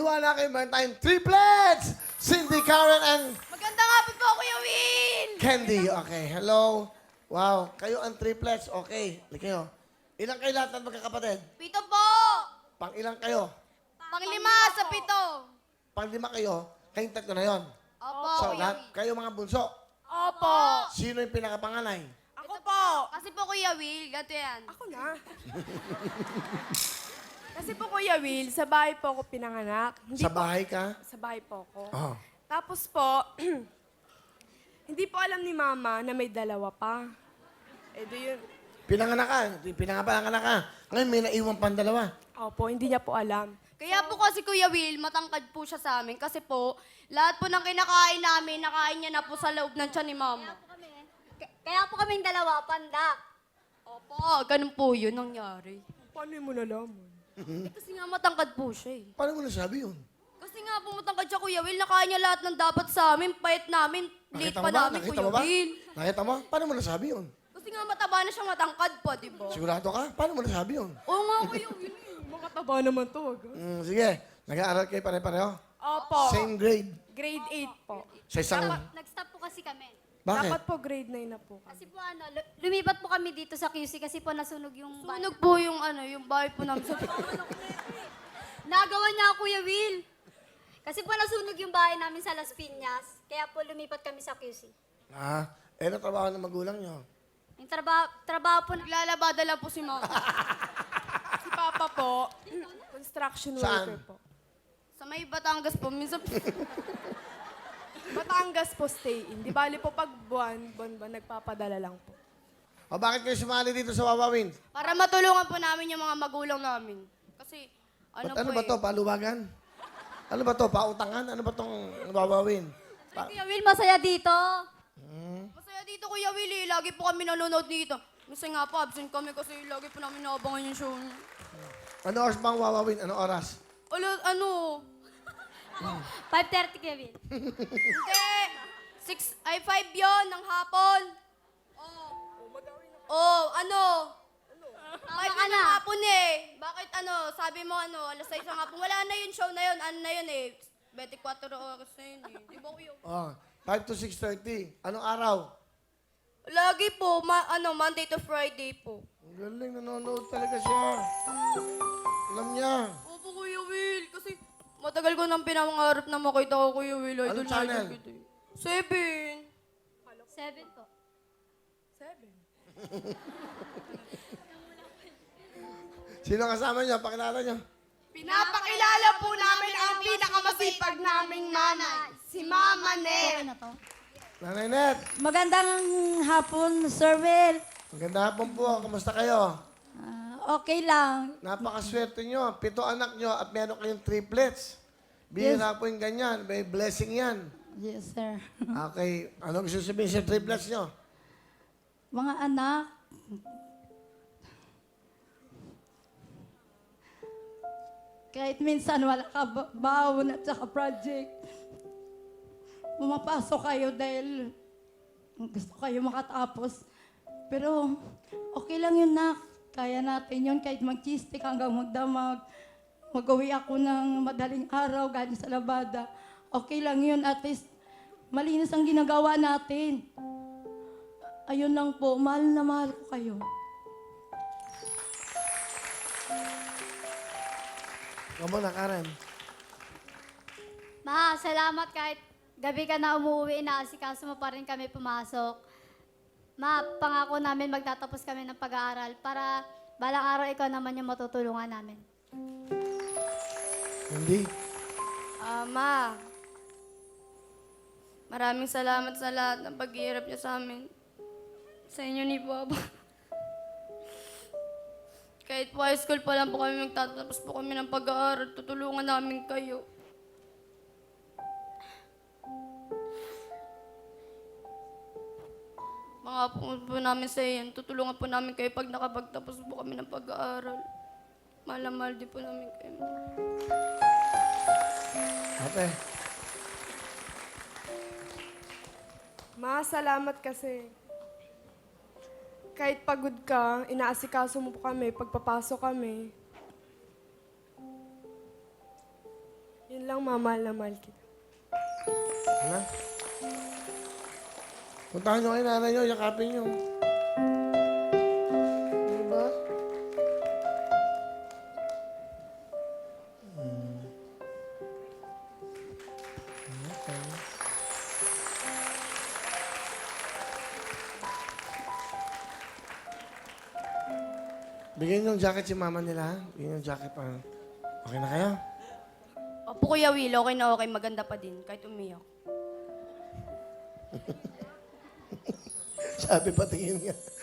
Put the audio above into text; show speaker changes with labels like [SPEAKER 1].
[SPEAKER 1] Maniwala kayo, meron tayong triplets! Cindy, Karen, and
[SPEAKER 2] Maganda nga po, Kuya Will!
[SPEAKER 1] Candy. Okay, hello. Wow, kayo ang triplets. Okay, like kayo. Ilang kayo lahat ng magkakapatid?
[SPEAKER 2] 7 po!
[SPEAKER 1] Pang ilang kayo?
[SPEAKER 2] Pang-5 sa 7.
[SPEAKER 1] Pang 5 kayo? Kayong tatlo na yon.
[SPEAKER 2] Opo,
[SPEAKER 1] So,
[SPEAKER 2] Kuya
[SPEAKER 1] lahat,
[SPEAKER 2] Will.
[SPEAKER 1] kayo mga bunso.
[SPEAKER 2] Opo!
[SPEAKER 1] Sino yung pinakapanganay?
[SPEAKER 2] Ako po! Kasi po, Kuya Will, gato yan.
[SPEAKER 3] Ako na. Kasi po, Kuya Will, sa bahay po ako pinanganak.
[SPEAKER 1] Sa bahay ka?
[SPEAKER 3] Sa bahay po ako.
[SPEAKER 1] Oh.
[SPEAKER 3] Tapos po, hindi po alam ni Mama na may dalawa pa. Eh, do yun.
[SPEAKER 1] Pinanganak ka. Pinanganak ka. Ngayon may naiwan pang dalawa.
[SPEAKER 3] Opo, hindi niya po alam.
[SPEAKER 2] Kaya po kasi, Kuya Will, matangkad po siya sa amin. Kasi po, lahat po ng kinakain namin, nakain niya na po sa loob ng tiyan ni Mama.
[SPEAKER 4] Kaya po kaming dalawa, pandak.
[SPEAKER 2] Opo, ganun po yun nangyari.
[SPEAKER 3] Paano mo nalaman?
[SPEAKER 2] Kasi nga matangkad po siya eh.
[SPEAKER 1] Paano mo nasabi yun?
[SPEAKER 2] Kasi nga po matangkad siya, Kuya Will, nakain niya lahat ng dapat sa amin, payat namin, late pa namin,
[SPEAKER 1] Nakita
[SPEAKER 2] Kuya
[SPEAKER 1] mo ba?
[SPEAKER 2] Will.
[SPEAKER 1] Nakita mo? Paano mo nasabi yun?
[SPEAKER 2] Kasi nga mataba na siya matangkad po, di ba?
[SPEAKER 1] Sigurado ka? Paano mo nasabi yun?
[SPEAKER 2] Oo nga, Kuya Will.
[SPEAKER 3] Makataba naman to. Wag.
[SPEAKER 1] Sige. Nag-aaral kayo pare-pareho?
[SPEAKER 3] Opo.
[SPEAKER 1] Same grade?
[SPEAKER 3] Grade 8 po.
[SPEAKER 1] Sa isang...
[SPEAKER 4] Nag-stop po kasi kami.
[SPEAKER 1] Bakit?
[SPEAKER 3] Dapat po grade 9 na po.
[SPEAKER 4] Kasi po lumipat po kami dito sa QC kasi po nasunog yung bahay.
[SPEAKER 2] Sunog po yung yung bahay po namin sa...
[SPEAKER 4] Nagawa niya ako, Kuya Will. Kasi po nasunog yung bahay namin sa Las Piñas. Kaya po lumipat kami sa QC.
[SPEAKER 1] Ano trabaho ng magulang nyo?
[SPEAKER 4] Yung trabaho po na...
[SPEAKER 2] Naglalabada lang po si Mama.
[SPEAKER 3] Si Papa po, construction
[SPEAKER 1] Saan?
[SPEAKER 3] worker po.
[SPEAKER 2] Sa may Batangas po, minsan...
[SPEAKER 3] Batangas po stay in. Di bali po pag buwan, nagpapadala lang po.
[SPEAKER 1] O bakit kayo sumali dito sa Wawawin?
[SPEAKER 2] Para matulungan po namin yung mga magulang namin. Kasi,
[SPEAKER 1] Ano ba to? Paluwagan? Ano ba to? Pautangan? Ano ba tong Wawawin?
[SPEAKER 4] Kuya Will, masaya dito.
[SPEAKER 2] Masaya dito, Kuya Willie. Lagi po kami nanonood dito. Minsan nga po, absent kami kasi lagi po namin naabangan yung show niyo.
[SPEAKER 1] Ano oras bang Wawawin? Anong oras?
[SPEAKER 4] 5:30, Kuya Will.
[SPEAKER 2] Hindi! 5 yon ng hapon. Five
[SPEAKER 4] ka
[SPEAKER 2] yun
[SPEAKER 4] na.
[SPEAKER 2] ng hapon eh. Bakit sabi mo alas 6 ng hapon. Wala na yung show na yun. Ano na yun eh. 24 oras na yun eh. Di ba kuya?
[SPEAKER 1] 5 to 6:30. Anong araw?
[SPEAKER 2] Lagi po, Monday to Friday po.
[SPEAKER 1] Ang galing, nanonood talaga siya. Alam niya.
[SPEAKER 2] Opo, Kuya Will. Kasi matagal ko nang pinangarap na makita ko, Kuya Will. Idol
[SPEAKER 1] Anong
[SPEAKER 2] na
[SPEAKER 1] channel?
[SPEAKER 2] idol kita eh. 7.
[SPEAKER 4] 7 po.
[SPEAKER 3] 7.
[SPEAKER 1] Sino kasama niyo? Pakilala niyo.
[SPEAKER 2] Pinapakilala po namin ang pinakamasipag naming nanay, si Mama Nel.
[SPEAKER 1] Nanay Net.
[SPEAKER 5] Magandang hapon, Sir Will.
[SPEAKER 1] Maganda hapon po. Kamusta kayo?
[SPEAKER 5] Okay lang.
[SPEAKER 1] Napakaswerte nyo. 7 anak nyo at meron kayong triplets. Bihira po yung ganyan. May blessing yan.
[SPEAKER 5] Yes, sir.
[SPEAKER 1] Okay. Ano gusto sabihin sa triplets nyo?
[SPEAKER 5] Mga anak, kahit minsan wala ka baon at saka project, pumapasok kayo dahil gusto kayo makatapos. Pero okay lang yun, nak. Kaya natin yun kahit mag-chistik hanggang magdamag. Mag-uwi ako ng madaling araw galing sa labada. Okay lang yun. At least malinis ang ginagawa natin. Ayun lang po. Mahal na mahal ko kayo.
[SPEAKER 1] Kamu na, Karen.
[SPEAKER 4] Ma, salamat kahit gabi ka na umuwi, inaasikaso mo pa rin kami pumasok. Ma, pangako namin magtatapos kami ng pag-aaral para balang araw ikaw naman yung matutulungan namin.
[SPEAKER 1] Hindi.
[SPEAKER 2] Ma, maraming salamat sa lahat ng paghihirap niyo sa amin. Sa inyo ni Papa. Kahit po high school pa lang po kami magtatapos po kami ng pag-aaral, tutulungan namin kayo. Mga po namin sa iyan, tutulungan po namin kayo pag nakapagtapos po kami ng pag-aaral. Mahal na mahal din po namin kayo.
[SPEAKER 1] Ate.
[SPEAKER 3] Ma, salamat kasi. Kahit pagod ka, inaasikaso mo po kami, pagpapasok kami. Yun lang, Ma. Mahal na mahal kita.
[SPEAKER 1] Ano? Puntahan nyo kay nanay nyo, yakapin nyo. Diba? Okay. Bigyan yung jacket si mama nila, ha? Bigyan yung jacket pa. Okay na kayo?
[SPEAKER 2] Opo, Kuya Will, okay na okay. Maganda pa din, kahit umiyak.
[SPEAKER 1] Sabi pa tingin nga.